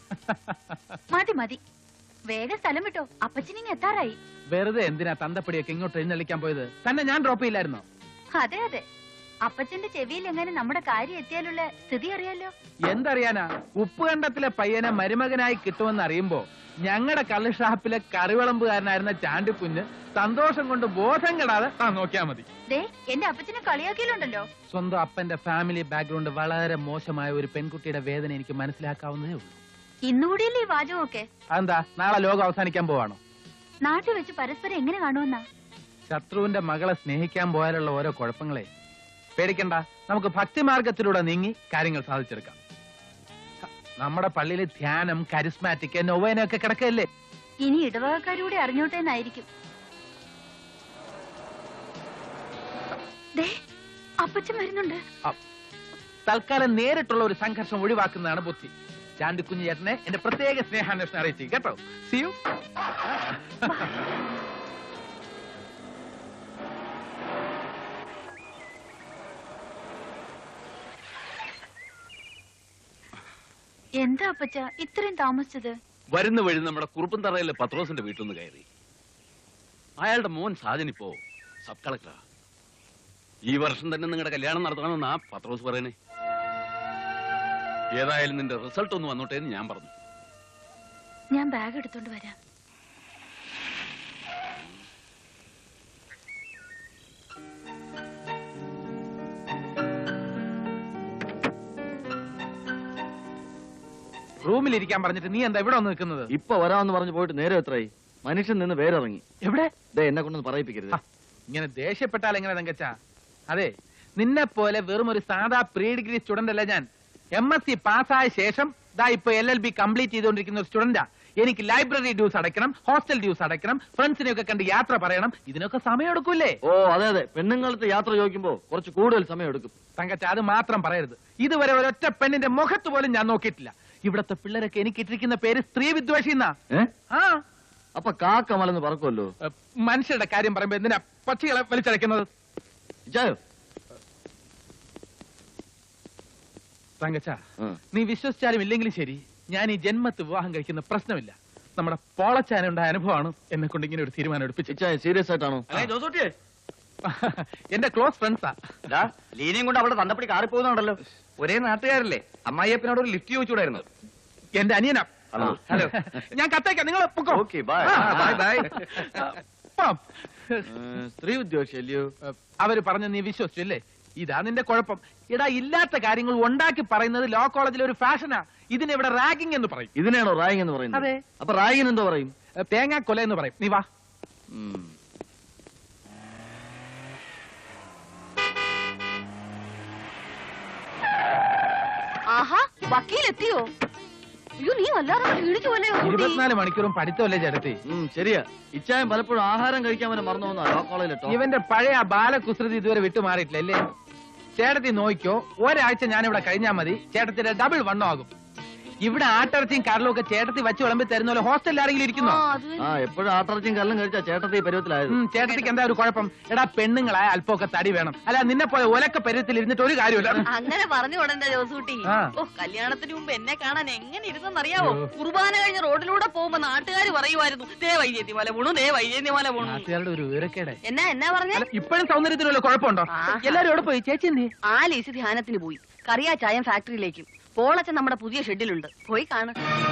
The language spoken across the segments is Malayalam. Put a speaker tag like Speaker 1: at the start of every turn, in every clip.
Speaker 1: മതി മതി, വേഗം സ്ഥലം വിട്ടോ, അപ്പച്ചനിങ് എത്താറായി.
Speaker 2: വെറുതെ എന്തിനാ തന്തപ്പടിയൊക്കെ ഇങ്ങോട്ട് എഴുന്നള്ളിക്കാൻ പോയത്? തന്നെ ഞാൻ ഡ്രോപ്പ് ചെയ്യില്ലായിരുന്നോ?
Speaker 1: അതെ അതെ, അപ്പച്ചന്റെ ചെവിയിൽ എങ്ങനെ നമ്മുടെ കാര്യം എത്തിയാലുള്ള സ്ഥിതി അറിയാലോ.
Speaker 2: എന്തറിയാനാ, ഉപ്പുകണ്ടത്തിലെ പയ്യനെ മരുമകനായി കിട്ടുമെന്ന് അറിയുമ്പോ ഞങ്ങളുടെ കള്ള് ഷാപ്പിലെ കറിവിളമ്പുകാരനായിരുന്ന ചാണ്ടിക്കുഞ്ഞ് സന്തോഷം കൊണ്ട് ബോധം കെടാതെ നോക്കിയാ മതി.
Speaker 1: എന്റെ അപ്പച്ചനെ കളിയാക്കിയിലുണ്ടല്ലോ.
Speaker 2: സ്വന്തം അപ്പന്റെ ഫാമിലി ബാക്ക്ഗ്രൗണ്ട് വളരെ മോശമായ ഒരു പെൺകുട്ടിയുടെ വേദന എനിക്ക് മനസ്സിലാക്കാവുന്നതേ ഉള്ളൂ.
Speaker 1: ഇന്നുകൂടിയല്ലേ ഈ വാചകമൊക്കെ?
Speaker 2: അതെന്താ, നാളെ ലോകം അവസാനിക്കാൻ പോവാണോ?
Speaker 1: നാട്ടിൽ വെച്ച് പരസ്പരം എങ്ങനെ കാണുമെന്നാ?
Speaker 2: ശത്രുവിന്റെ മകളെ സ്നേഹിക്കാൻ പോയാലുള്ള ഓരോ കുഴപ്പങ്ങളെ പേടിക്കണ്ട, നമുക്ക് ഭക്തിമാർഗത്തിലൂടെ നീങ്ങി കാര്യങ്ങൾ സാധിച്ചെടുക്കാം. നമ്മുടെ പള്ളിയിലെ ധ്യാനം, കരിസ്മാറ്റിക്, നൊവേനൊക്കെ കിടക്കല്ലേ.
Speaker 1: ഇനി ഇടവകക്കാരൂടെ അറിഞ്ഞോട്ടെ എന്നായിരിക്കും. അപ്പച്ചൻ വരുന്നുണ്ട്.
Speaker 2: തൽക്കാലം നേരിട്ടുള്ള ഒരു സംഘർഷം ഒഴിവാക്കുന്നതാണ് ബുദ്ധി. ചാണ്ടിക്കുഞ്ഞ് ചേട്ടനെ എന്റെ പ്രത്യേക സ്നേഹാന്വേഷണം അറിയിച്ചു കേട്ടോ. See you.
Speaker 1: എന്താ അപ്പച്ച ഇത്രയും താമസിച്ചത്?
Speaker 3: വരുന്ന വഴി നമ്മുടെ കുറുപ്പന്തറയിലെ പത്രോസിന്റെ വീട്ടിൽ നിന്ന് കയറി. അയാളുടെ മോൻ സാജനിപ്പോ സബ് കളക്ടറാ. ഈ വർഷം തന്നെ നിങ്ങളുടെ കല്യാണം നടത്തണമെന്നാ പത്രോസ് പറയണേ. ഏതായാലും നിന്റെ റിസൾട്ട് ഒന്ന് വന്നോട്ടെ എന്ന് ഞാൻ പറഞ്ഞു.
Speaker 1: ഞാൻ ബാഗ് എടുത്തോണ്ട് വരാം.
Speaker 2: റൂമിലിരിക്കാൻ പറഞ്ഞിട്ട് നീ എന്താ ഇവിടെ വന്ന് നിൽക്കുന്നത്?
Speaker 4: ഇപ്പൊ വരാമെന്ന് പറഞ്ഞു പോയിട്ട് നേരെ എത്രയായി? മനുഷ്യൻ നിന്ന് വേരിറങ്ങി.
Speaker 2: എവിടെ?
Speaker 4: എന്നെ കൊണ്ടൊന്ന് പറയിപ്പിക്കരുത്.
Speaker 2: ഇങ്ങനെ ദേഷ്യപ്പെട്ടാൽ എങ്ങനെ തങ്കച്ച? അതെ, നിന്നെ പോലെ വെറും ഒരു സാധാ പ്രീ ഡിഗ്രി സ്റ്റുഡന്റ് അല്ല ഞാൻ. MSc പാസ്സായ ശേഷം ഇപ്പൊ LLB കംപ്ലീറ്റ് ചെയ്തുകൊണ്ടിരിക്കുന്ന ഒരു സ്റ്റുഡന്റാ. എനിക്ക് ലൈബ്രറി ഡ്യൂസ് അടയ്ക്കണം, ഹോസ്റ്റൽ ഡ്യൂസ് അടയ്ക്കണം, ഫ്രണ്ട്സിനെയൊക്കെ കണ്ട് യാത്ര പറയണം. ഇതിനൊക്കെ സമയം എടുക്കൂല്ലേ?
Speaker 4: ഓ അതെ അതെ, പെണ്ണുങ്ങളത്തെ യാത്ര ചോദിക്കുമ്പോ കുറച്ച് കൂടുതൽ സമയം എടുക്കും.
Speaker 2: തങ്കച്ച അത് മാത്രം പറയരുത്. ഇതുവരെ ഒരൊറ്റ പെണ്ണിന്റെ മുഖത്ത് പോലും ഞാൻ നോക്കിയിട്ടില്ല. ഇവിടത്തെ പിള്ളേരൊക്കെ എനിക്ക് ഇട്ടിരിക്കുന്ന പേര് സ്ത്രീ വിദ്വേഷി എന്നാ.
Speaker 4: അപ്പൊ കാക്കമലെന്ന് പറക്കുമല്ലോ.
Speaker 2: മനുഷ്യരുടെ കാര്യം പറയുമ്പോ എന്തിനാ പക്ഷികളെ വലിച്ചടയ്ക്കുന്നത്? തങ്കച്ച, നീ വിശ്വസിച്ചാലും ഇല്ലെങ്കിലും ശരി, ഞാൻ ഈ ജന്മത്ത് വിവാഹം കഴിക്കുന്ന പ്രശ്നമില്ല. നമ്മുടെ പോളച്ചാനുണ്ടായ അനുഭവമാണ് എന്നെ കൊണ്ട് ഇങ്ങനെ ഒരു തീരുമാനം എടുപ്പിച്ചു.
Speaker 4: സീരിയസ് ആയിട്ടാണോ?
Speaker 2: എന്റെ ക്ലോസ് ഫ്രണ്ട്സാ.
Speaker 4: ലീനയും കൊണ്ട് അവിടെ തന്തപ്പടി കാറി പോകുന്നുണ്ടല്ലോ.
Speaker 5: ഒരേ നാട്ടുകാരല്ലേ? അമ്മായിയപ്പനോട് ഒരു ലിഫ്റ്റ് ചോദിച്ചുകൂടായിരുന്നു.
Speaker 2: എന്റെ അനിയനാ.
Speaker 4: ഹലോ,
Speaker 2: ഞാൻ കത്തേക്കാം, നിങ്ങൾ പൊക്കോ.
Speaker 4: Okay bye. സ്ത്രീ ഉദ്യോഗസ്ഥല്ലോ
Speaker 2: അവര് പറഞ്ഞ നീ വിശ്വസിച്ചു അല്ലേ? ഇതാ നിന്റെ കുഴപ്പം. ഇടാ, ഇല്ലാത്ത കാര്യങ്ങൾ ഉണ്ടാക്കി പറയുന്നത് ലോ കോളേജിലെ ഒരു ഫാഷനാ. ഇതിനെവിടെ റാഗിംഗ് എന്ന് പറയും.
Speaker 4: ഇതിനാണോ റാഗിംഗ് എന്ന് പറയുന്നത്?
Speaker 2: അതെ.
Speaker 4: അപ്പൊ റാഗിംഗ് എന്തോ പറയും?
Speaker 2: തേങ്ങാ കൊല എന്ന് പറയും. നീ വാ.
Speaker 1: ആഹാ, വക്കീലെത്തിയോ? അയ്യോ, നീ വല്ലാതെ ക്ഷീണിച്ചു പോലെ.
Speaker 2: 24 മണിക്കൂറും പഠിത്തമല്ലേ ചേട്ടത്തി?
Speaker 4: ശരിയാ. ഇച്ചായം പലപ്പോഴും ആഹാരം കഴിക്കാൻ വരെ മറന്നു പോകുന്ന ലോ കോളേജിലെട്ടോ.
Speaker 2: ഇവന്റെ പഴയ ബാലകുസൃതി ഇതുവരെ വിട്ടുമാറിയിട്ടില്ല അല്ലേ? ചേട്ടത്തി നോക്കിക്കോ, ഒരാഴ്ച ഞാനിവിടെ കഴിഞ്ഞാൽ മതി, ചേട്ടത്തിന്റെ ഡബിൾ വണ്ണം ആകും. ഇവിടെ ആട്ടിറച്ചിയും കരലും ഒക്കെ ചേട്ടത്തി വെച്ച് വിളമ്പി തരുന്ന പോലെ ഹോസ്റ്റലിൽ ആരെങ്കിലും ഇരിക്കുന്നോ?
Speaker 4: എപ്പോഴും ആട്ടിറച്ചിയും കരലും കഴിച്ചാ ചേട്ടത്തി പരുവത്തിലായത്.
Speaker 2: ചേട്ടത്തിക്ക് എന്താ ഒരു കുഴപ്പം? എടാ, പെണ്ണുങ്ങളായ അല്പമൊക്കെ തടി വേണം. അല്ല, നിന്നെ പോലെ ഒലക്ക പരുവത്തിൽ ഇരുന്നിട്ട് ഒരു കാര്യമില്ല.
Speaker 6: അങ്ങനെ പറഞ്ഞു കൊണ്ടെന്താ ജോസൂട്ടി? കല്യാണത്തിന് മുമ്പ് എന്നെ കാണാൻ എങ്ങനെ ഇരുന്നെന്നറിയാവോ? കുർബാന കഴിഞ്ഞ റോഡിലൂടെ പോകുമ്പോ നാട്ടുകാർ പറയുമായിരുന്നു, ദേ വൈദ്യത്തി മല പോണു, ദേ വൈദ്യത്തി മല പോണു.
Speaker 2: നാട്ടുകാരുടെ ഒരു വിവരക്കേടെ.
Speaker 6: എന്നാ പറഞ്ഞേ?
Speaker 2: ഇപ്പോഴും സൗന്ദര്യത്തിനുള്ള കുഴപ്പമുണ്ടോ? എല്ലാരും എവിടെ പോയി? ചേച്ചി എന്തി?
Speaker 6: ആ ലീസി ധ്യാനത്തിന് പോയി. കറിയാ ചായം ഫാക്ടറിയിലേക്കും. പോളച്ചൻ നമ്മുടെ പുതിയ ഷെഡിലുണ്ട്, പോയി കാണും.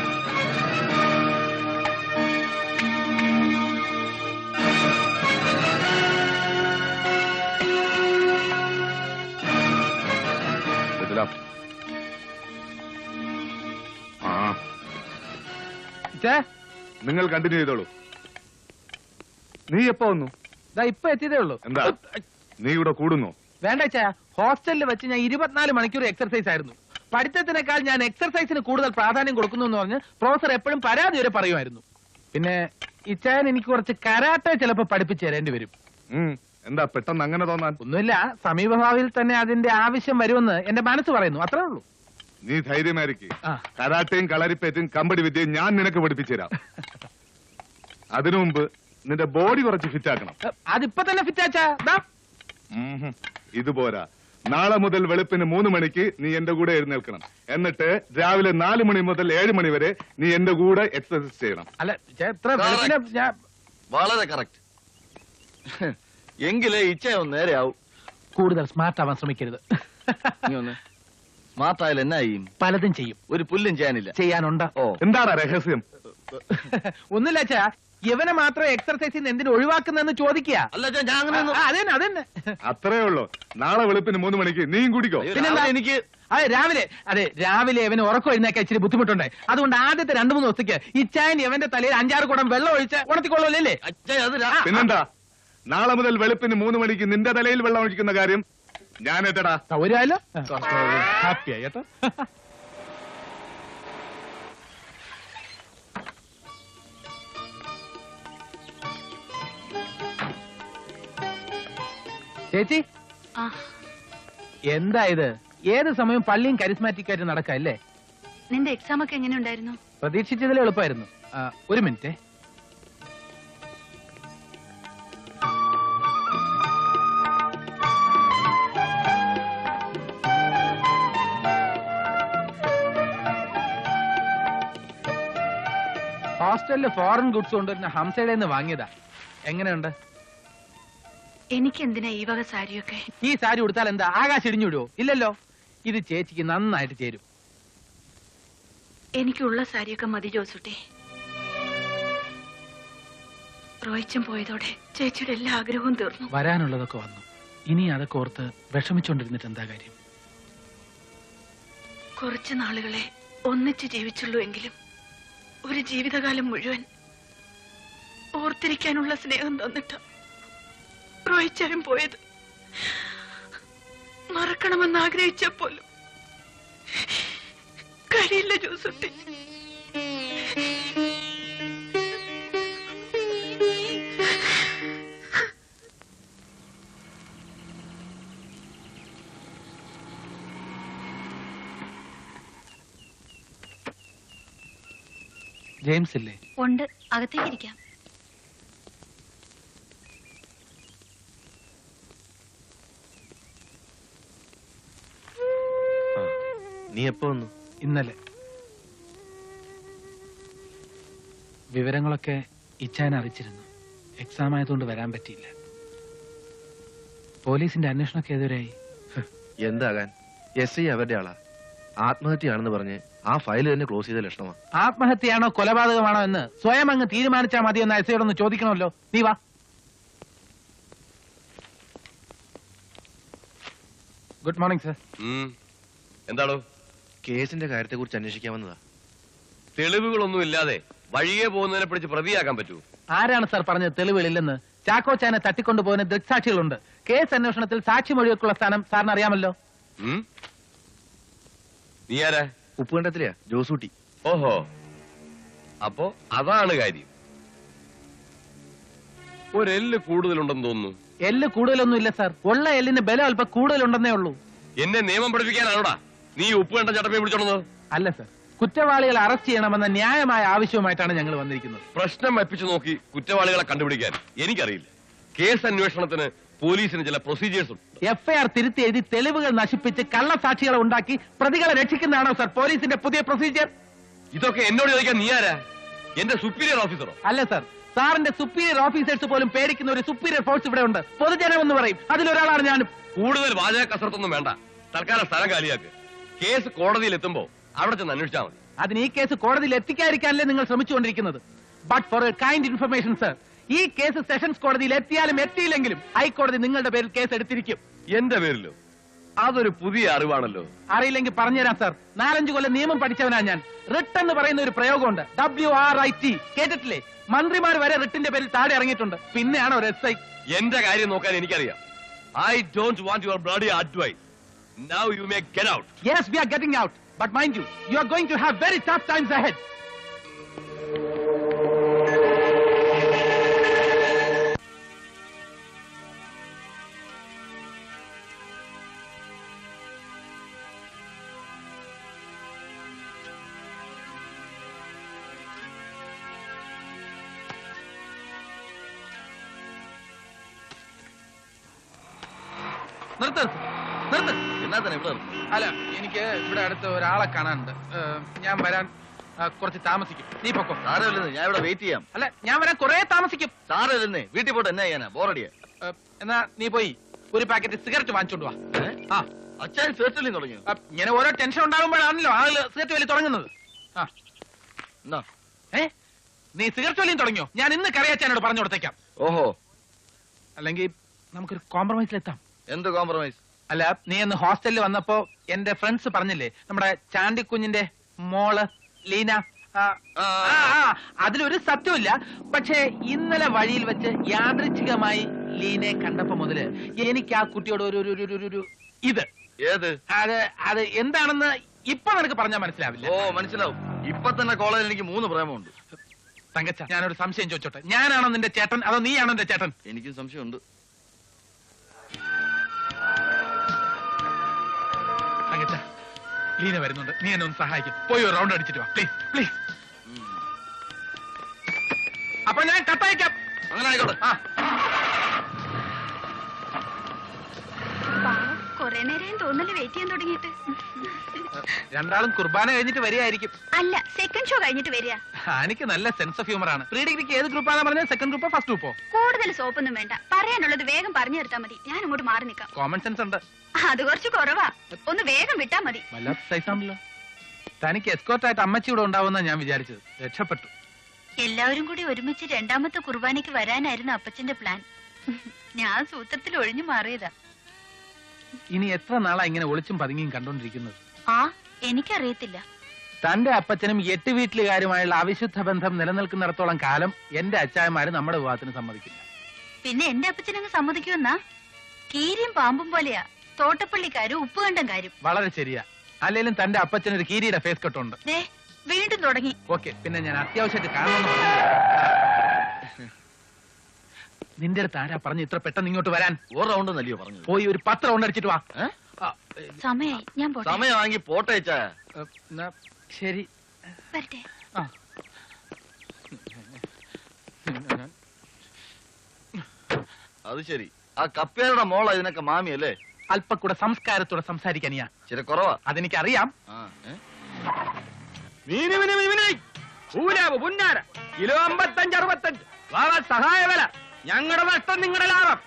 Speaker 7: നിങ്ങൾ കണ്ടിന്യൂ ചെയ്തോളൂ. നീ എപ്പോ വന്നു?
Speaker 2: ഇപ്പൊ എത്തിയതേ ഉള്ളൂ.
Speaker 7: എന്താ നീ ഇവിടെ കൂടുന്നു?
Speaker 2: വേണ്ട ചായ, ഹോസ്റ്റലിൽ വെച്ച് ഞാൻ 24 മണിക്കൂർ എക്സർസൈസ് ആയിരുന്നു. പഠിത്തത്തിനേക്കാൾ ഞാൻ എക്സർസൈസിന് കൂടുതൽ പ്രാധാന്യം കൊടുക്കുന്നു എന്ന് പറഞ്ഞ് പ്രൊഫസർ എപ്പോഴും പരാതി വരെ പറയുമായിരുന്നു. പിന്നെ ഇച്ചായൻ എനിക്ക് കുറച്ച് കരാട്ടെ ചിലപ്പോ പഠിപ്പിച്ചു തരേണ്ടി വരും.
Speaker 7: എന്താ പെട്ടെന്ന് അങ്ങനെ തോന്നാൻ?
Speaker 2: ഒന്നുമില്ല, സമീപഭാവിയിൽ തന്നെ അതിന്റെ ആവശ്യം വരുമെന്ന് എന്റെ മനസ്സ് പറയുന്നു, അത്രേ ഉള്ളൂ.
Speaker 7: നീ ധൈര്യമായിരിക്കും. കരാട്ടയും കളരിപ്പേറ്റും കമ്പടി വിദ്യയും ഞാൻ നിനക്ക് പഠിപ്പിച്ചു തരാം. അതിനു മുമ്പ് നിന്റെ ബോഡി കുറച്ച് ഫിറ്റ് ആക്കണം.
Speaker 2: അതിപ്പോ തന്നെ ഫിറ്റ് ആച്ചാ.
Speaker 7: ഇതുപോരാ, നാളെ മുതൽ വെളുപ്പിന് 3 മണിക്ക് നീ എന്റെ കൂടെ എഴുന്നേൽക്കണം. എന്നിട്ട് രാവിലെ 4 മണി മുതൽ 7 മണി വരെ നീ എന്റെ കൂടെ എക്സസൈസ് ചെയ്യണം.
Speaker 2: അല്ല എത്ര വെളുപ്പിനെ
Speaker 4: വളരെ കറക്റ്റ്. എങ്കിലേ ഇച്ഛയൊന്ന് നേരെയാവും.
Speaker 2: കൂടുതൽ സ്മാർട്ട് ആവാൻ ശ്രമിക്കരുത്.
Speaker 4: സ്മാർട്ട് ആയാലും എന്നാ ചെയ്യും?
Speaker 2: പലതും ചെയ്യും.
Speaker 4: ഒരു പുല്ലും ചെയ്യാനില്ല.
Speaker 2: ചെയ്യാനുണ്ട്.
Speaker 4: ഓ,
Speaker 7: എന്താണ് രഹസ്യം?
Speaker 2: ഒന്നുമില്ല അച്ഛാ, ഇവനെ മാത്രം എക്സർസൈസിൽ നിന്ന് എന്തിനു ഒഴിവാക്കുന്നെന്ന് ചോദിക്കുക.
Speaker 4: അല്ല ഞാൻ അങ്ങനെ
Speaker 2: അതന്നെ
Speaker 7: അത്രേ ഉള്ളൂ. നാളെ വെളുപ്പിന് 3 മണിക്ക് നീയും കൂടിക്കോ.
Speaker 2: പിന്നെന്താ?
Speaker 4: എനിക്ക്
Speaker 2: രാവിലെ ഇവന് ഉറക്കം എഴുന്നേക്കാൻ ഇച്ചിരി ബുദ്ധിമുട്ടുണ്ട്. അതുകൊണ്ട് ആദ്യത്തെ 2-3 ദിവസത്തേക്ക് ഇച്ചായൻ ഇവന്റെ തലയിൽ 5-6 കുടം വെള്ളം ഒഴിച്ച് ഉണർത്തിക്കൊള്ളൂല്ലേ?
Speaker 7: പിന്നെന്താ? നാളെ മുതൽ വെളുപ്പിന് 3 മണിക്ക് നിന്റെ തലയിൽ വെള്ളം ഒഴിക്കുന്ന കാര്യം ഞാൻ ഏറ്റടാ.
Speaker 2: സൗകര്യമല്ലോ. ഹാപ്പിയായി കേട്ടോ. ചേച്ചി, എന്താ ഇത്? ഏത് സമയം പള്ളിയും കരിസ്മാറ്റിക് ആയിട്ട് നടക്കല്ലേ?
Speaker 1: നിന്റെ എക്സാം ഒക്കെ എങ്ങനെ ഉണ്ടായിരുന്നു?
Speaker 2: പ്രതീക്ഷിച്ചതിൽ എളുപ്പമായിരുന്നു. ഒരു മിനിറ്റ്. ഹോസ്റ്റലില് ഫോറിൻ ഗുഡ്സ് കൊണ്ടുവരുന്ന ഹംസയുടെ നിന്ന് വാങ്ങിയതാ. എങ്ങനെയുണ്ട്?
Speaker 1: എനിക്ക് എന്തിനാ ഈ വക സാരിയൊക്കെ?
Speaker 2: ഈ സാരി ഉടുത്താൽ എന്താ ആകാശം ഇടിഞ്ഞു വിടുവോ? ഇല്ലല്ലോ. ഇത് ചേച്ചിക്ക് നന്നായിട്ട് ചേരും.
Speaker 1: എനിക്കുള്ള സാരിയൊക്കെ മതി ജോസൂട്ടി. റോയിച്ചൻ പോയതോടെ ചേച്ചിയുടെ എല്ലാ ആഗ്രഹവും തീർന്നു.
Speaker 2: വരാനുള്ളതൊക്കെ വന്നു. ഇനി അതൊക്കെ ഓർത്ത് വിഷമിച്ചോണ്ടിരുന്നിട്ട് എന്താ കാര്യം?
Speaker 1: കുറച്ചു നാളുകളെ ഒന്നിച്ച് ജീവിച്ചുള്ളൂ എങ്കിലും ഒരു ജീവിതകാലം മുഴുവൻ ഓർത്തിരിക്കാനുള്ള സ്നേഹം തന്നിട്ട് റോയിച്ചാലും പോയത്. മറക്കണമെന്ന് ആഗ്രഹിച്ചപ്പോലും കഴിയില്ല ജോസുട്ടി.
Speaker 2: ജെയിംസ് ഇല്ലേ?
Speaker 1: ഉണ്ട്, അകത്തേക്കിരിക്കാം.
Speaker 5: നീ എപ്പോ വന്നു?
Speaker 2: ഇന്നലെ. വിവരങ്ങളൊക്കെ ഇച്ചാൻ അറിയിച്ചിരുന്നു. എക്സാം ആയതുകൊണ്ട് വരാൻ പറ്റിയില്ല. പോലീസിന്റെ അന്വേഷണമൊക്കെ എതിരായി.
Speaker 5: എന്താകാൻ? SI അവരുടെ ആളാ. ആത്മഹത്യയാണെന്ന് പറഞ്ഞ് ആ ഫയൽ തന്നെ ക്ലോസ് ചെയ്ത ലക്ഷണമാണ്.
Speaker 2: ആത്മഹത്യയാണോ കൊലപാതകമാണോ എന്ന് സ്വയം അങ്ങ് തീരുമാനിച്ചാൽ മതിയെന്ന് എസ്ഐയോടൊന്ന് ചോദിക്കണമല്ലോ. നീ വാ. Good morning sir.
Speaker 3: എന്താണോ?
Speaker 5: കേസിന്റെ കാര്യത്തെ കുറിച്ച് അന്വേഷിക്കാൻ വന്നതാ.
Speaker 3: തെളിവുകളൊന്നും ഇല്ലാതെ വഴിയെ പോകുന്നതിനെ പിടിച്ച് പ്രതിയാക്കാൻ പറ്റൂ?
Speaker 2: ആരാണ് സാർ പറഞ്ഞത് തെളിവുകളില്ലെന്ന്? ചാക്കോച്ചാനെ തട്ടിക്കൊണ്ടുപോകുന്ന ദൃക്സാക്ഷികളുണ്ട്. കേസ് അന്വേഷണത്തിൽ സാക്ഷിമൊഴിയൊക്കെയുള്ള സ്ഥാനം സാറിന് അറിയാമല്ലോ.
Speaker 3: നീ ആരാ?
Speaker 5: ഉപ്പുകണ്ടത്തിലെയാ, ജോസൂട്ടി.
Speaker 3: ഓഹോ, അപ്പോ അതാണ് കാര്യം. ഒരെല്ല് കൂടുതലുണ്ടെന്ന് തോന്നുന്നു.
Speaker 2: എല്ല് കൂടുതലൊന്നും ഇല്ല സാർ. ഉള്ള എല്ലിന് ബലം അല്പം കൂടുതലുണ്ടെന്നേ ഉള്ളൂ.
Speaker 3: എന്നെ നിയമം പഠിപ്പിക്കാനാണോടാ നീ ഉപ്പുകണ്ട ചട്ടപ്പേ പിടിച്ചോളുന്നത്?
Speaker 2: അല്ല സാർ, കുറ്റവാളികളെ അറസ്റ്റ് ചെയ്യണമെന്ന ന്യായമായ ആവശ്യവുമായിട്ടാണ് ഞങ്ങൾ വന്നിരിക്കുന്നത്.
Speaker 3: പ്രശ്നം വപ്പിച്ചു നോക്കി കുറ്റവാളികളെ കണ്ടുപിടിക്കാൻ എനിക്കറിയില്ല. കേസ് അന്വേഷണത്തിന് പോലീസിന് ചില പ്രൊസീജിയേഴ്സ് ഉണ്ട്.
Speaker 2: FIR തിരുത്തി എഴുതി തെളിവുകൾ നശിപ്പിച്ച് കള്ളസാക്ഷികളെ ഉണ്ടാക്കി പ്രതികളെ രക്ഷിക്കുന്നതാണോ സാർ പോലീസിന്റെ പുതിയ പ്രൊസീജിയർ?
Speaker 3: ഇതൊക്കെ എന്നോട് ചോദിക്കാൻ നീ ആരാ? എന്റെ സുപ്പീരിയർ ഓഫീസറോ?
Speaker 2: അല്ല സാർ, സാറിന്റെ സുപ്പീരിയർ ഓഫീസേഴ്സ് പോലും പേടിക്കുന്ന ഒരു സുപ്പീരിയർ ഫോഴ്സ് ഇവിടെ ഉണ്ട്. പൊതുജനം എന്ന് പറയും, അതിലൊരാളാണ് ഞാനും.
Speaker 3: കൂടുതൽ വാചക കസരത്തൊന്നും വേണ്ട. തൽക്കാലം സ്ഥലം കാലിയാക്ക്. കേസ് കോടതിയിൽ എത്തുമ്പോ അവിടെ ചെന്ന് അന്വേഷിച്ചാൽ മതി.
Speaker 2: അതിന് ഈ കേസ് കോടതിയിൽ എത്തിക്കാതിരിക്കാനല്ലേ നിങ്ങൾ ശ്രമിച്ചുകൊണ്ടിരിക്കുന്നത്? But for a kind information sir, ഈ കേസ് സെഷൻസ് കോടതിയിൽ എത്തിയാലും എത്തിയില്ലെങ്കിലും ഹൈക്കോടതി നിങ്ങളുടെ പേരിൽ കേസ് എടുത്തിരിക്കും.
Speaker 3: എന്റെ പേരിലോ? അതൊരു പുതിയ അറിവാണല്ലോ.
Speaker 2: അറിയില്ലെങ്കിൽ പറഞ്ഞുതരാം സാർ. 4-5 കൊല്ലം നിയമം പഠിച്ചവനാ ഞാൻ. റിട്ട് എന്ന് പറയുന്ന ഒരു പ്രയോഗമുണ്ട്, WRIT. കേട്ടിട്ടില്ലേ? മന്ത്രിമാർ വരെ റിട്ടിന്റെ പേരിൽ താഴെ ഇറങ്ങിയിട്ടുണ്ട്. പിന്നെയാണ് ഒരു SI.
Speaker 3: എന്റെ കാര്യം നോക്കാൻ എനിക്കറിയാം. I don't want your bloody advice. Now you may get out.
Speaker 2: Yes, we are getting out. But mind you, you are going to have very tough times ahead. നിർത്ത്. നിർത്ത്.
Speaker 4: എന്നാ തന്നെ ഇവിടെ
Speaker 2: അല്ല, എനിക്ക് ഇവിടെ അടുത്ത് ഒരാളെ കാണാനുണ്ട്. ഞാൻ വരാൻ കുറച്ച് താമസിക്കും. നീ പൊക്കോ.
Speaker 4: സാരമില്ലെന്ന്, ഞാൻ ഇവിടെ വെയിറ്റ് ചെയ്യാം.
Speaker 2: അല്ല, ഞാൻ വരാൻ കുറെ താമസിക്കും.
Speaker 4: സാരമില്ലെന്നേ, വീട്ടിൽ പോയിട്ട് എന്നാ ചെയ്യാനാ? ബോറടിയാ.
Speaker 2: എന്നാ നീ പോയി ഒരു പാക്കറ്റ് സിഗരറ്റ് വാങ്ങിച്ചോണ്ട് വാ. ആ,
Speaker 4: അച്ഛൻ ഫേസ്റ്റലിൽ തുടങ്ങിയോ?
Speaker 2: ഇങ്ങനെ ഓരോ ടെൻഷൻ ഉണ്ടാകുമ്പോഴാണല്ലോ ആളുകൾ സിഗരറ്റ് വലി തുടങ്ങുന്നത്. ആ,
Speaker 4: എന്നാ
Speaker 2: നീ സിഗരറ്റ് വലിയും തുടങ്ങിയോ? ഞാൻ ഇന്ന് കറിയച്ചാനോട് പറഞ്ഞു കൊടുത്തേക്കാം.
Speaker 4: ഓഹോ,
Speaker 2: അല്ലെങ്കിൽ നമുക്കൊരു കോംപ്രമൈസിലെത്താം.
Speaker 4: എന്ത് കോംപ്രമൈസ്?
Speaker 2: അല്ല, നീ എന്ന് ഹോസ്റ്റലിൽ വന്നപ്പോ എന്റെ ഫ്രണ്ട്സ് പറഞ്ഞില്ലേ, നമ്മുടെ ചാണ്ടിക്കുഞ്ഞിന്റെ മോള് ലീന, അതിലൊരു സത്യമില്ല. പക്ഷേ ഇന്നലെ വഴിയിൽ വെച്ച് യാദൃച്ഛികമായി ലീനയെ കണ്ടപ്പോ മുതല് എനിക്ക് ആ കുട്ടിയോട് ഒരു ഇത്
Speaker 4: ഏത്?
Speaker 2: അത് എന്താണെന്ന് ഇപ്പൊ നിനക്ക് പറഞ്ഞാൽ മനസ്സിലാവില്ല.
Speaker 4: ഓ, മനസ്സിലാവും. ഇപ്പൊ തന്നെ കോളേജിൽ എനിക്ക് 3 പ്രേമമുണ്ട്.
Speaker 2: തങ്കച്ച, ഞാനൊരു സംശയം ചോദിച്ചോട്ടെ, ഞാനാണോ നിന്റെ ചേട്ടൻ അതോ നീയാണോ എന്റെ ചേട്ടൻ?
Speaker 4: എനിക്കും സംശയമുണ്ട്.
Speaker 2: തങ്കച്ച, ലീന വരുന്നുണ്ട്, നീ എന്നെ ഒന്ന് സഹായിക്കും. പോയി ഒരു റൗണ്ട് അടിച്ചിട്ട് വാ പ്ലീസ്, പ്ലീസ്. അപ്പൊ ഞാൻ കത്തയക്കാം.
Speaker 4: അങ്ങനെ ആയിക്കോട്ടെ.
Speaker 1: കൊറേ നേരം തോന്നല് വെയിറ്റ് ചെയ്യാൻ തുടങ്ങിയിട്ട്.
Speaker 2: രണ്ടാളും കുർബാന കഴിഞ്ഞിട്ട് വരികയായിരിക്കും.
Speaker 1: അല്ല, സെക്കൻഡ് ഷോ കഴിഞ്ഞിട്ട് വരിക.
Speaker 2: എനിക്ക് നല്ല സെൻസ് ഓഫ് ഹ്യൂമർ ആണ്. പ്രീ ഡിഗ്രിക്ക് ഏത് ഗ്രൂപ്പാണെന്ന് പറഞ്ഞാൽ സെക്കൻഡ് ഗ്രൂപ്പോ ഫസ്റ്റ് ഗ്രൂപ്പോ?
Speaker 1: കൂടുതൽ സോപ്പൊന്നും വേണ്ട, പറയാനുള്ളത് വേഗം പറഞ്ഞു തീർത്താ മതി. ഞാൻ അങ്ങോട്ട് മാറി നിൽക്കാം.
Speaker 2: കോമൺ സെൻസ് ഉണ്ട്.
Speaker 1: അത് കുറച്ച് കുറവാ, ഒന്ന് വേഗം വിട്ടാ മതി.
Speaker 2: വല്ലാത്ത സൈസാണല്ലോ. തനിക്ക് എസ്കോർട്ടായിട്ട് അമ്മച്ചി ഇവിടെ ഉണ്ടാവുന്ന ഞാൻ വിചാരിച്ചത്. രക്ഷപ്പെട്ടു.
Speaker 1: എല്ലാവരും കൂടി ഒരുമിച്ച് രണ്ടാമത്തെ കുർബാനയ്ക്ക് വരാനായിരുന്നു അപ്പച്ചന്റെ പ്ലാൻ. ഞാൻ സൂത്രത്തിൽ ഒഴിഞ്ഞു മാറിയതാ.
Speaker 2: ഇനി എത്ര നാളാ ഇങ്ങനെ ഒളിച്ചും പതുങ്ങിയും കണ്ടോണ്ടിരിക്കുന്നത്?
Speaker 1: ആ, എനിക്കറിയത്തില്ല.
Speaker 2: തന്റെ അപ്പച്ചനും 8 വീട്ടിലുകാരുമായുള്ള അവിശുദ്ധ ബന്ധം നിലനിൽക്കുന്നിടത്തോളം കാലം എന്റെ അച്ചായമാര് നമ്മുടെ വിവാഹത്തിന് സമ്മതിക്കില്ല.
Speaker 1: പിന്നെ എന്റെ അപ്പച്ചനങ്ങ് സമ്മതിക്കുമെന്നാ? കീരിയും പാമ്പും പോലെയാ തോട്ടപ്പള്ളിക്കാരും ഉപ്പുകണ്ടംകാരും.
Speaker 2: വളരെ ശരിയാ. അല്ലെങ്കിലും തന്റെ അപ്പച്ചനൊരു കീരിയുടെ ഫേസ് കട്ടുണ്ട്.
Speaker 1: വീണ്ടും തുടങ്ങി.
Speaker 2: ഓക്കെ, പിന്നെ ഞാൻ അത്യാവശ്യമായിട്ട് കാണണമെന്ന് പറഞ്ഞു. നിന്റെ അടുത്ത് ആരാ പറഞ്ഞു ഇത്ര പെട്ടെന്ന് ഇങ്ങോട്ട് വരാൻ?
Speaker 4: ഒരു റൗണ്ട് നല്ലയോ പറഞ്ഞു?
Speaker 2: പോയി ഒരു 10 റൗണ്ട് അടിച്ചിട്ട് വാ.
Speaker 1: സമയായി, ഞാൻ പോട്ടെ.
Speaker 4: സമയം വാങ്ങി പോട്ടെ.
Speaker 2: ശരി,
Speaker 1: വരട്ടെ.
Speaker 4: അത് ശരി. ആ കപ്പേരുടെ മോള ഇതിനൊക്കെ മാമിയല്ലേ?
Speaker 2: അല്പം കൂടെ സംസ്കാരത്തോടെ സംസാരിക്കാനിയാ.
Speaker 4: ചില കുറവാ.
Speaker 2: അതെനിക്കറിയാം. കിലോ 55-65 സഹായ വില. ഞങ്ങളുടെ നഷ്ടം നിങ്ങളുടെ ലാഭം.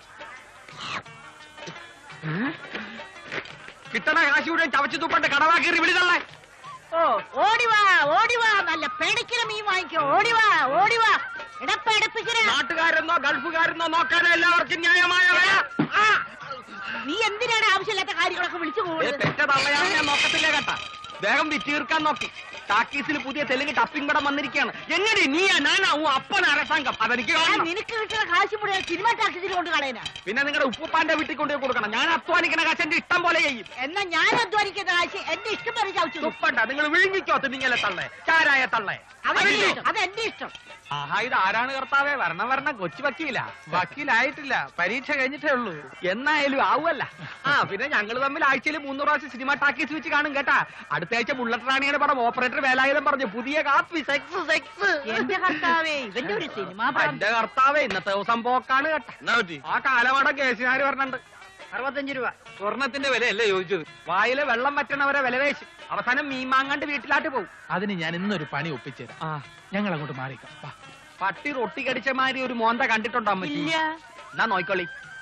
Speaker 2: കിട്ടണ കാശ് കൂടെ ചവച്ചു തുപ്പണ്ട് കടവാക്കി വിളിതള്ളേ.
Speaker 8: ഓ, ഓടിവാ ഓടിവാ, നല്ല പേടിക്കല മീൻ വാങ്ങിക്കോ. ഓടിവാ ഓടിവാ, ഇടപ്പടുപ്പിക്കണ.
Speaker 2: നാട്ടുകാരെന്നോ ഗൾഫുകാരെന്നോ നോക്കാനോ എല്ലാവർക്കും ന്യായമായ വില.
Speaker 8: നീ എന്തിനാണ് ആവശ്യമില്ലാത്ത കാര്യങ്ങളൊക്കെ വിളിച്ചു പോകുന്നത്?
Speaker 2: പെറ്റ തള്ളയാണ് ഞാൻ നോക്കത്തില്ലേ കേട്ടാ. വേഗം വിറ്റീർക്കാൻ നോക്കി. ടാക്കീസിൽ പുതിയ തെലുങ്ക് ടപ്പിംഗ് പടം വന്നിരിക്കുകയാണ്. എങ്ങനെ നീയാ ഞാനാവും അപ്പൻ അരസാംഗം? അതെനിക്ക് കാണണം.
Speaker 8: നിനക്ക് കിട്ടുന്ന കാശ് മുഴുവൻ സിനിമ ടാക്സിൽ കൊണ്ട് കളയനാ.
Speaker 2: പിന്നെ നിങ്ങളുടെ ഉപ്പുപ്പാന്റെ വീട്ടിൽ കൊണ്ടുപോയി കൊടുക്കണം. ഞാൻ അധ്വാനിക്കുന്ന കാശ് എന്റെ ഇഷ്ടം പോലെ ചെയ്യും.
Speaker 8: എന്നാ ഞാൻ അധ്വാനിക്കുന്ന കാശ് എന്റെ ഇഷ്ടം പോലെ ചവിച്ചു.
Speaker 2: ഉപ്പണ്ട, നിങ്ങൾ വിഴുങ്ങിക്കോ തിന്നിങ്ങലെ തള്ളേ, ചാരായ തള്ളേ.
Speaker 8: അതെന്റെ ഇഷ്ടം.
Speaker 2: ആഹാ, ഇത് ആരാണ് കർത്താവേ? വരണം കൊച്ചു വക്കീല. വക്കീലായിട്ടില്ല, പരീക്ഷ കഴിഞ്ഞിട്ടേ ഉള്ളൂ. എന്നായാലും ആവുമല്ല. പിന്നെ ഞങ്ങൾ തമ്മിൽ ആഴ്ചയിൽ 3 പ്രാവശ്യം സിനിമ ടാക്കീസ് വെച്ച് കാണും കേട്ടാ. അടുത്ത ആഴ്ച ബുള്ളറ്റ് റാണിയുടെ പടം ഓപ്പറേറ്റർ വേലായുധം പറഞ്ഞു പുതിയ കാപ്പി സെക്സ് സെക്സ്.
Speaker 8: എന്റെ കർത്താവേ, ഇവന്റെ ഒരു സിനിമ.
Speaker 2: എന്റെ കർത്താവേ, ഇന്നത്തെ ദിവസം പോക്കാണ് കേട്ടാ. ആ കാലമാടം കേസുകാർ പറഞ്ഞിട്ടുണ്ട്.
Speaker 8: 65 രൂപ.
Speaker 2: സ്വർണത്തിന്റെ വിലയല്ലേ ചോദിച്ചത്? വായിലെ വെള്ളം വറ്റണവരെ വില വേശി അവസാനം മീൻ മാങ്ങാണ്ട് വീട്ടിലാട്ട് പോകും. അതിന് ഞാൻ ഇന്നൊരു പണി ഒപ്പിച്ചുതരാം. ഞങ്ങൾ അങ്ങോട്ട് മാറിക്കാം. പട്ടി റൊട്ടി കടിച്ച മാതിരി ഒരു മോന്ത കണ്ടിട്ടുണ്ടോ അമ്മ? എന്നാ നോയിക്കോളി.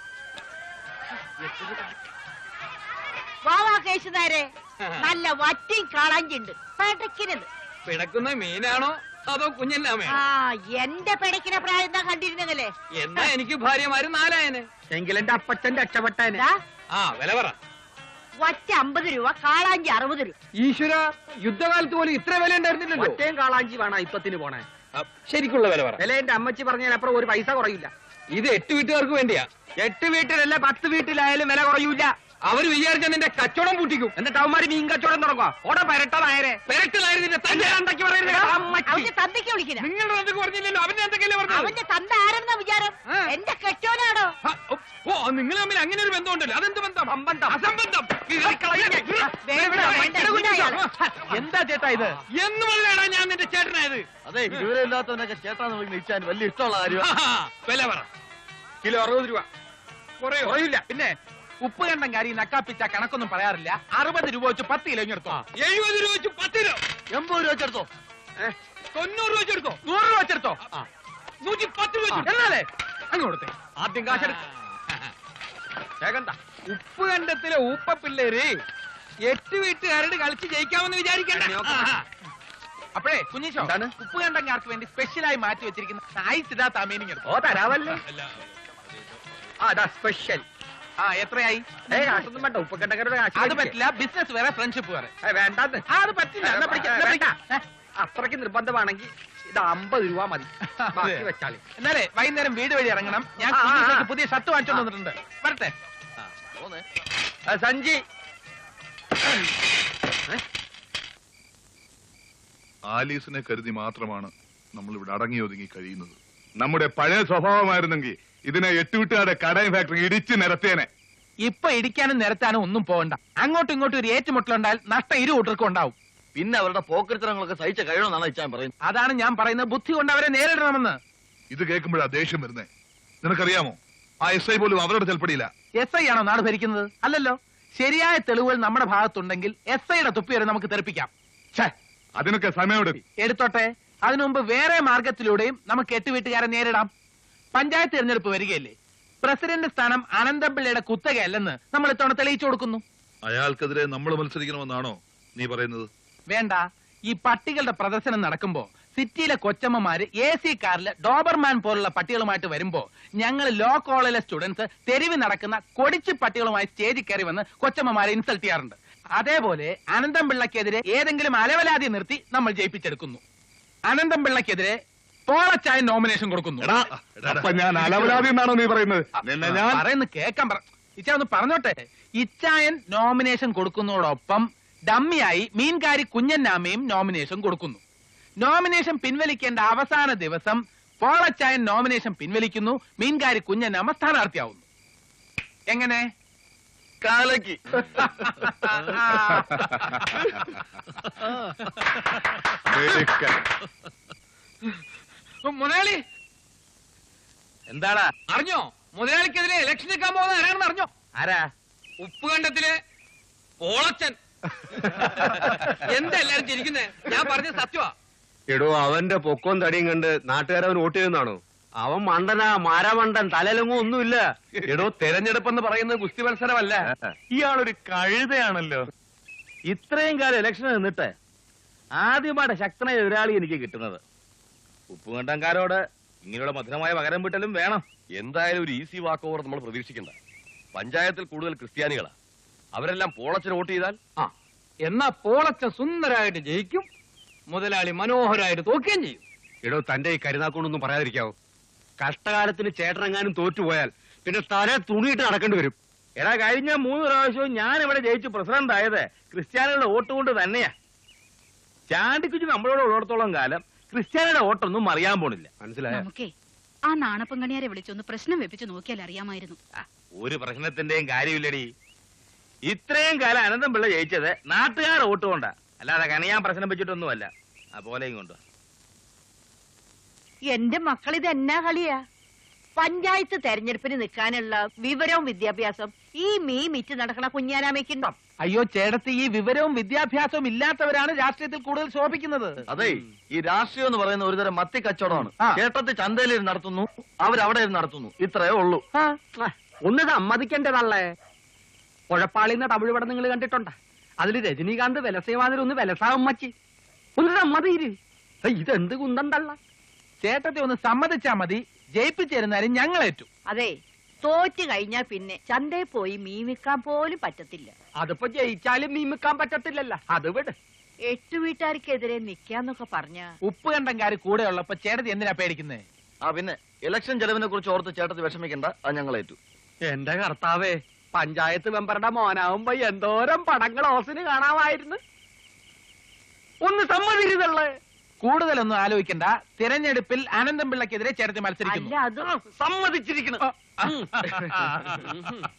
Speaker 8: വാവാ കേശുനാരെ, നല്ല വറ്റി കാളാഞ്ചിണ്ട്. പിടക്കിനത്.
Speaker 2: പിടക്കുന്ന മീനാണോ അതോ കുഞ്ഞല്ലാമേ?
Speaker 8: എന്റെ പിടക്കിന പ്രായം എന്താ കണ്ടിരുന്നതല്ലേ?
Speaker 2: എന്നാ എനിക്ക് ഭാര്യമാര് 4 എങ്കിലെന്റെ അപ്പച്ചൻ രക്ഷപ്പെട്ടേനെ. വില പറ.
Speaker 8: വറ്റ 50 രൂപ, കാളാഞ്ചി 60 രൂപ.
Speaker 2: ഈശ്വര, യുദ്ധകാലത്ത് പോലും ഇത്ര വില ഉണ്ടായിരുന്നില്ലല്ലോ. ഒറ്റയും കാളാഞ്ചി വേണം ഇപ്പത്തിന് പോണേ. ശരിക്കുള്ള വില പറ. വില എന്റെ അമ്മച്ചി പറഞ്ഞാൽ അപ്പുറം ഒരു പൈസ കുറയില്ല. ഇത് 8 വീട്ടുകാർക്ക് വേണ്ടിയാ. 8 വീട്ടിലല്ല 10 വീട്ടിലായാലും വില കുറയൂല. അവര് വിചാരിച്ച നിന്റെ കച്ചവടം പൂട്ടിക്കും. എന്നിട്ട് അവന്മാര് മീൻ കച്ചവടം തുടങ്ങുക. ഓടെ പെരട്ടതായരെ പെരട്ടതായിരുന്നു. തന്റെ തന്തയ്ക്ക് പറയുന്നത്
Speaker 8: അവന്റെ തന്തയ്ക്ക് വിളിക്കില്ല.
Speaker 2: നിങ്ങളുടെ തന്തയ്ക്ക് പറഞ്ഞില്ലല്ലോ. അവന്റെ എന്തൊക്കെയല്ലേ പറഞ്ഞത്?
Speaker 8: അവന്റെ തന്ത ആരെന്നാ വിചാരം? എന്റെ കെട്ടോനാണോ?
Speaker 2: ഓ, നിങ്ങൾ തമ്മിൽ അങ്ങനെ ഒരു ബന്ധമുണ്ടല്ലോ. അതെന്ത് ബന്ധം? അസംബന്ധം. എന്താ ചേട്ടാ ഇത്? എന്ന് പറഞ്ഞാണ് ഞാൻ നിന്റെ ചേട്ടനായത്.
Speaker 4: അതെ, ഇതുവരെ ഇല്ലാത്തവനൊക്കെ ചേട്ടാന്ന് വിളിച്ചാൽ വലിയ ഇഷ്ടമുള്ള കാര്യം.
Speaker 2: വില പറ. കിലോ 60 രൂപ. കുറയില്ല. പിന്നെ ഉപ്പ് കണ്ടം കാരി നക്കാപ്പിച്ച കണക്കൊന്നും പറയാറില്ല. 60 രൂപ വെച്ച് 10 കിലോ എടുത്തോ.
Speaker 3: 70 രൂപ വെച്ച് 10 കിലോ.
Speaker 4: 80 രൂപ വെച്ചെടുത്തോ.
Speaker 3: 90 രൂപ വെച്ചെടുത്തോ.
Speaker 2: 100 രൂപ വെച്ചെടുത്തോ.
Speaker 3: 110 രൂപ വെച്ചെടുത്തോ.
Speaker 2: എന്നാലേ അങ്ങോട്ടേ
Speaker 3: ആദ്യം കാശെടുക്ക.
Speaker 2: ഉപ്പ് കണ്ടത്തിലെ ഊപ്പ പിള്ളേര് 8 വീട്ടുകാരോട് കളിച്ച് ജയിക്കാമെന്ന് വിചാരിക്കണ്ട. അപ്പോഴേ കുഞ്ഞിശോ, ഉപ്പ് കണ്ടങ്ങാർക്ക് വേണ്ടി സ്പെഷ്യലായി മാറ്റി വെച്ചിരിക്കുന്ന ഐസ് ഇതാ തമീനിങ് എടുത്തു.
Speaker 4: ഓ തരാവല്ലേ. അതാ സ്പെഷ്യൽ.
Speaker 2: എത്രയായി?
Speaker 4: കാശൊന്നും വേണ്ട. ഉപ്പക്കണ്ടക്കാരുടെ
Speaker 2: അത് പറ്റില്ല. ബിസിനസ് വേറെ, ഫ്രണ്ട്ഷിപ്പ് വേറെ.
Speaker 4: വേണ്ടാന്ന്.
Speaker 2: അത് പറ്റില്ല. എന്നാ പിടിക്കാം.
Speaker 4: അത്രയ്ക്ക് നിർബന്ധമാണെങ്കിൽ ഇത് 50 രൂപ മതി. ബാക്കി വെച്ചാളി.
Speaker 2: എന്നാലേ വൈകുന്നേരം വീട് വഴി ഇറങ്ങണം. ഞാൻ കുഞ്ഞിശോക്ക് പുതിയ ഷർട്ട് വാങ്ങിച്ചോണ്ട് വന്നിട്ടുണ്ട്. വരട്ടെ.
Speaker 4: സഞ്ജി.
Speaker 7: ആലീസിനെ കരുതി മാത്രമാണ് നമ്മൾ ഇവിടെ അടങ്ങി ഒതുങ്ങി കഴിയുന്നത്. നമ്മുടെ പഴയ സ്വഭാവമായിരുന്നെങ്കിൽ ഇതിനെ 8 വീട്ടുകാരുടെ കടയും ഫാക്ടറി ഇടിച്ച് നിരത്തേനെ.
Speaker 2: ഇപ്പൊ ഇടിക്കാനും നിരത്താനും ഒന്നും പോകണ്ട. അങ്ങോട്ടും ഇങ്ങോട്ടും ഒരു ഏറ്റുമുട്ടലുണ്ടായാൽ നഷ്ടം 2 കൂട്ടർക്കും ഉണ്ടാവും.
Speaker 4: പിന്നെ അവരുടെ പോക്കരുത്തരങ്ങളൊക്കെ സഹിച്ച കഴിയണമെന്നാണ് ഇച്ചാൻ പറയുന്നത്.
Speaker 2: അതാണ് ഞാൻ പറയുന്നത്. ബുദ്ധി കൊണ്ട് അവരെ നേരിടണമെന്ന്.
Speaker 7: ഇത് കേൾക്കുമ്പോഴാ ദേഷ്യം വരുന്നേ. നിനക്കറിയാമോ, ആ SI പോലും അവരോട് ചെൽപ്പടിയില്ല.
Speaker 2: SI ആണോ നാട് ഭരിക്കുന്നത്? അല്ലല്ലോ. ശരിയായ തെളിവുകൾ നമ്മുടെ ഭാഗത്തുണ്ടെങ്കിൽ SIയുടെ തുപ്പി വരെ നമുക്ക് തെറിപ്പിക്കാം.
Speaker 7: അതിനൊക്കെ സമയമെടുക്കും.
Speaker 2: എടുത്തോട്ടെ. അതിനു മുമ്പ് വേറെ മാർഗത്തിലൂടെയും നമുക്ക് 8 വീട്ടുകാരെ നേരിടാം. പഞ്ചായത്ത് തിരഞ്ഞെടുപ്പ് വരികയല്ലേ. പ്രസിഡന്റ് സ്ഥാനം അനന്തപിള്ളയുടെ കുത്തകയല്ലെന്ന് നമ്മൾ ഇത്തവണ തെളിയിച്ചു കൊടുക്കുന്നു.
Speaker 7: അയാൾക്കെതിരെ നമ്മൾ മത്സരിക്കണമെന്നാണോ നീ പറയുന്നത്?
Speaker 2: വേണ്ട. ഈ പട്ടികളുടെ പ്രദർശനം നടക്കുമ്പോ സിറ്റിയിലെ കൊച്ചമ്മമാര് AC കാറില് ഡോബർമാൻ പോലുള്ള പട്ടികളുമായിട്ട് വരുമ്പോ ഞങ്ങൾ ലോ കോളേജിലെ സ്റ്റുഡൻസ് തെരുവ് നടക്കുന്ന കൊടിച്ചു പട്ടികളുമായി സ്റ്റേജിൽ കയറി വന്ന് കൊച്ചമ്മമാരെ ഇൻസൾട്ട് ചെയ്യാറുണ്ട്. അതേപോലെ അനന്തം പിള്ളക്കെതിരെ ഏതെങ്കിലും അലവലാതി നിർത്തി നമ്മൾ ജയിപ്പിച്ചെടുക്കുന്നു. അനന്തം പിള്ളക്കെതിരെ പോളച്ചായ നോമിനേഷൻ കൊടുക്കുന്നു.
Speaker 7: അപ്പൊ ഞാൻ അലവലാതി എന്നാണോ നീ പറയുന്നത്? ഞാൻ
Speaker 2: പറയുന്നത് കേൾക്കാൻ ഇച്ചാ ഒന്ന് പറഞ്ഞോട്ടെ. ഇച്ചായൻ നോമിനേഷൻ കൊടുക്കുന്നതോടൊപ്പം ഡമ്മിയായി മീൻകാരി കുഞ്ഞന്നാമയും നോമിനേഷൻ കൊടുക്കുന്നു. നോമിനേഷൻ പിൻവലിക്കേണ്ട അവസാന ദിവസം പോളച്ചായൻ നോമിനേഷൻ പിൻവലിക്കുന്നു. മീൻകാരി കുഞ്ഞന്നാമ സ്ഥാനാർത്ഥിയാവുന്നു. എങ്ങനെ?
Speaker 4: കാലക്ക്.
Speaker 2: മുതലാളി എന്താടാ അറിഞ്ഞോ? മുതലാളിക്കെതിരെ ഇലക്ഷൻ നിൽക്കാൻ പോകുന്ന ആരാണെന്ന് അറിഞ്ഞോ?
Speaker 4: ആരാ?
Speaker 2: ഉപ്പ് കണ്ടത്തിലെ പോളച്ചൻ. എന്താ എല്ലാരും ചിരിക്കുന്നേ? ഞാൻ പറഞ്ഞ സത്യമാ.
Speaker 5: എടോ, അവന്റെ പൊക്കവും തടിയും കണ്ട് നാട്ടുകാരവൻ വോട്ട് ചെയ്യുന്നതാണോ? അവൻ മണ്ടനാ, മാരാമണ്ടൻ, തലയിലെങ്ങും ഒന്നുമില്ല.
Speaker 3: എടോ, തെരഞ്ഞെടുപ്പെന്ന് പറയുന്നത് ഗുസ്തി മത്സരമല്ല.
Speaker 5: ഇയാളൊരു കഴുതയാണല്ലോ. ഇത്രയും കാലം ഇലക്ഷൻ നിന്നിട്ട് ആദ്യമായിട്ട് ശക്തനായ എതിരാളി എനിക്ക് കിട്ടുന്നത്. ഉപ്പുകണ്ടംകാരോട് ഇങ്ങനെയുള്ള മധുരമായ പകരം വീട്ടലും വേണം.
Speaker 3: എന്തായാലും ഒരു ഈസി വാക്ക് ഓവർ നമ്മൾ പ്രതീക്ഷിക്കണ്ട. പഞ്ചായത്തിൽ കൂടുതൽ ക്രിസ്ത്യാനികളാ. അവരെല്ലാം പോളച്ചന് വോട്ട് ചെയ്താൽ
Speaker 2: എന്നാ പോളച്ചൻ സുന്ദരായിട്ട് ജയിക്കും, മുതലാളി മനോഹരായിട്ട് തോക്കുകയും ചെയ്യും.
Speaker 5: എടോ, തന്റെ ഈ കരുനാക്കൊണ്ടൊന്നും പറയാതിരിക്കാവോ? കഷ്ടകാലത്തിന് ചേട്ടനെങ്ങാനും തോറ്റുപോയാൽ പിന്നെ തല തുണിയിട്ട് നടക്കേണ്ടി വരും. എടാ, കഴിഞ്ഞ 3 പ്രാവശ്യവും ഞാൻ ഇവിടെ ജയിച്ച് പ്രസിഡന്റ് ആയത് ക്രിസ്ത്യാനികളുടെ വോട്ട് കൊണ്ട് തന്നെയാ. ചാണ്ടിക്കുച്ച് നമ്മളോട് ഉള്ളിടത്തോളം കാലം ക്രിസ്ത്യാനിയുടെ വോട്ടൊന്നും അറിയാൻ പോണില്ല. മനസ്സിലായോ?
Speaker 1: നമുക്കേ ആ നാണപ്പങ്കണിയാരെ വിളിച്ചൊന്ന് പ്രശ്നം വെപ്പിച്ച് നോക്കിയാൽ അറിയാമായിരുന്നു.
Speaker 5: ഒരു പ്രശ്നത്തിന്റെയും കാര്യമില്ലടി. ഇത്രയും കാലം അനന്തം പിള്ള ജയിച്ചത് നാട്ടുകാർ വോട്ട് കൊണ്ടാ, അല്ലാതെ കണിയാൻ പ്രശ്നം വെച്ചിട്ടൊന്നുമല്ല. പോലെയും കൊണ്ട്
Speaker 8: എന്റെ മക്കൾ ഇത് എന്നാ കളിയാ? പഞ്ചായത്ത് തെരഞ്ഞെടുപ്പിന് നിൽക്കാനുള്ള വിവരവും വിദ്യാഭ്യാസം ഈ മിറ്റ് നടക്കണ കുഞ്ഞാനാമയ്ക്കുണ്ടോ?
Speaker 2: അയ്യോ ചേട്ടത്തി, ഈ വിവരവും വിദ്യാഭ്യാസവും ഇല്ലാത്തവരാണ് രാഷ്ട്രീയത്തിൽ കൂടുതൽ ശോഭിക്കുന്നത്.
Speaker 4: അതെ, ഈ രാഷ്ട്രീയം എന്ന് പറയുന്ന ഒരുതരം മത്തി കച്ചവടമാണ്. ചേട്ടത്തി ചന്തയിൽ ഇരുന്ന് നടത്തുന്നു, അവരവിടെ ഇരുന്ന് നടത്തുന്നു. ഇത്രയേ ഉള്ളൂ.
Speaker 9: ഒന്ന് സമ്മതിക്കേണ്ടതല്ലേ? ഉഴപ്പാളിന്ന തമിഴ് പടം നിങ്ങൾ കണ്ടിട്ടുണ്ട? അതിൽ രജനീകാന്ത് വിലസേവാതിൽ ഒന്ന് വിലസാവമ്മച്ചി ഒന്ന് സമ്മതിയിര്. ഇതെന്ത് കുന്തം തള്ള?
Speaker 2: ചേട്ടത്തെ ഒന്ന് സമ്മതിച്ചാ മതി, ജയിപ്പിച്ചിരുന്നാലും ഞങ്ങളേറ്റു.
Speaker 8: അതെ, തോറ്റ് കഴിഞ്ഞാൽ പിന്നെ ചന്തയിൽ പോയി മീൻ വിൽക്കാൻ പോലും പറ്റത്തില്ല.
Speaker 9: അതിപ്പോ ജയിച്ചാലും മീൻ വെക്കാൻ പറ്റത്തില്ലല്ലോ. അത് വിട്.
Speaker 8: 8 വീട്ടുകാർക്കെതിരെ നിക്കാന്നൊക്കെ പറഞ്ഞ
Speaker 2: ഉപ്പ് കണ്ടംകാര് കൂടെ ഉള്ളപ്പോ ചേട്ടത്തി എന്തിനാ പേടിക്കുന്നേ?
Speaker 4: പിന്നെ ഇലക്ഷൻ ചെലവിനെ കുറിച്ച് ഓർത്ത് ചേട്ടത്തി വിഷമിക്കണ്ട, അത് ഞങ്ങളേറ്റു.
Speaker 9: എന്റെ കർത്താവേ, പഞ്ചായത്ത് മെമ്പറുടെ മോനാവുമ്പോ എന്തോരം പടങ്ങൾ ഓസിന് കാണാമായിരുന്നു. ഒന്ന് സമ്മതിരുതള്ളേ.
Speaker 2: കൂടുതലൊന്നും ആലോചിക്കണ്ട. തിരഞ്ഞെടുപ്പിൽ അനന്തം പിള്ളക്കെതിരെ ചേട്ടത്തി മത്സരിക്കുന്നു.
Speaker 8: അല്ല, അത്
Speaker 4: സമ്മതിച്ചിരിക്കണം.